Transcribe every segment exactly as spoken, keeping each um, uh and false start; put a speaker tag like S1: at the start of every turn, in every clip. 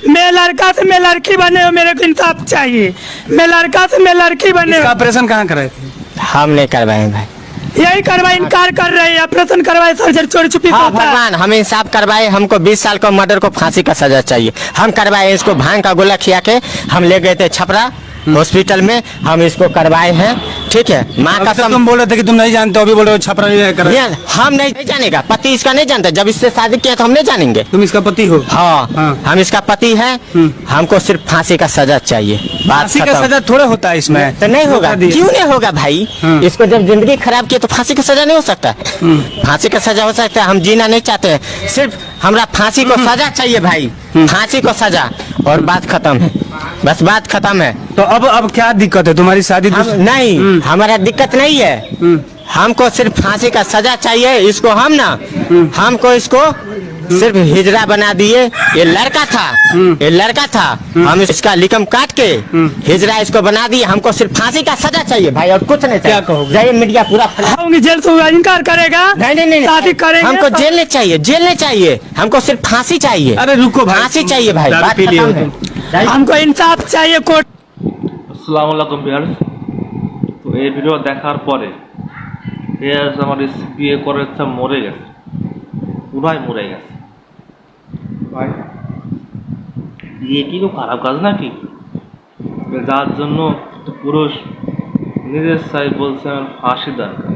S1: मैं लड़का से मैं लड़की बने हो, मेरे को इंसाफ चाहिए। मैं लड़का से मैं लड़की बने हो।
S2: ऑपरेशन कहाँ कराए थे?
S3: हम नहीं करवाए भाई,
S1: यही करवाए, इनकार कर रहे हैं। ऑपरेशन करवाए, सर्जरी चोरी छुपी
S3: हाँ
S1: होता है।
S3: भगवान हम इंसाफ करवाए। हमको बीस साल को मर्डर को फांसी का सजा चाहिए। हम करवाए, इसको भांग का गोला खिया के हम ले गए थे छपरा हॉस्पिटल में, हम इसको करवाए हैं। ठीक है, माँ का सम...
S2: तुम बोल रहे थे कि तुम नहीं जानते, अभी बोल रहे हो छपरा
S3: ये हम नहीं, नहीं जानेगा, पति इसका नहीं जानता। जब इससे शादी किया तो हम नहीं जानेंगे।
S2: तुम इसका पति हो?
S3: हाँ,
S2: हाँ।
S3: हम इसका पति है। हमको सिर्फ फांसी का सजा चाहिए।
S2: फांसी का सजा थोड़ा होता है इसमें?
S3: तो नहीं होगा, क्यों नहीं होगा भाई? इसको जब जिंदगी खराब की तो फांसी का सजा नहीं हो सकता? फांसी का सजा हो सकता है। हम जीना नहीं चाहते हैं, सिर्फ हमरा फांसी को सजा चाहिए भाई, फांसी को सजा, और बात खत्म है, बस बात खत्म है।
S2: तो अब अब क्या दिक्कत है? तुम्हारी शादी
S3: हम नहीं, हमारा दिक्कत नहीं है। हमको सिर्फ फांसी का सजा चाहिए। इसको हम ना, हमको इसको सिर्फ हिजड़ा बना दिए। ये लड़का था, ये लड़का था, हम इसका लिकम काट के हिजड़ा इसको बना दिए। हमको सिर्फ फांसी का सजा चाहिए भाई, और कुछ नहीं।
S2: क्या कहोगे?
S3: जाइए मीडिया पूरा
S1: होंगे जेल से, इनकार करेगा।
S3: नहीं नहीं नहीं,
S1: शादी करेंगे।
S3: हमको जेल नहीं चाहिए, जेल नहीं चाहिए, हमको सिर्फ फांसी चाहिए।
S2: अरे रुको भाई,
S3: फांसी चाहिए भाई,
S2: दारू
S3: बात
S2: पी लिए हो
S3: खत्म है।
S1: हमको इंसाफ चाहिए कोर्ट।
S4: আসসালামু আলাইকুম ভিউয়ার্স, তো এই ভিডিও দেখার পরে ভিউয়ার্স আমার বিয়ে করার ইচ্ছা মরে গেছে, পুরাই মরে গেছে ভাই। বিয়ে কি খুব খারাপ কাজ নাকি? যার জন্য একটা পুরুষ নিজের চাই বলছে আমার ফাঁসি দরকার।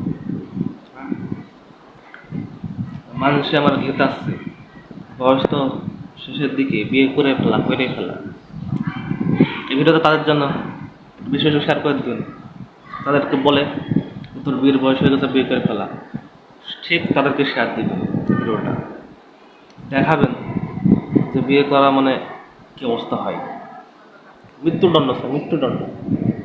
S4: মানুষে আমার গীত আসছে, বয়স তো শেষের দিকে, বিয়ে করে ফেলা করে ফেলা। এই ভিডিওটা তাদের জন্য বিশেষ শেয়ার করে দিন, তাদেরকে বলে তোর বিয়ের বয়স হয়ে গেছে, বিয়ে করে ফেলা। ঠিক তাদেরকে শেয়ার দিবেন ভিডিওটা, দেখাবেন যে বিয়ে করা মানে কি অবস্থা হয়। মৃত্যুদণ্ড স্যার, মৃত্যুদণ্ড।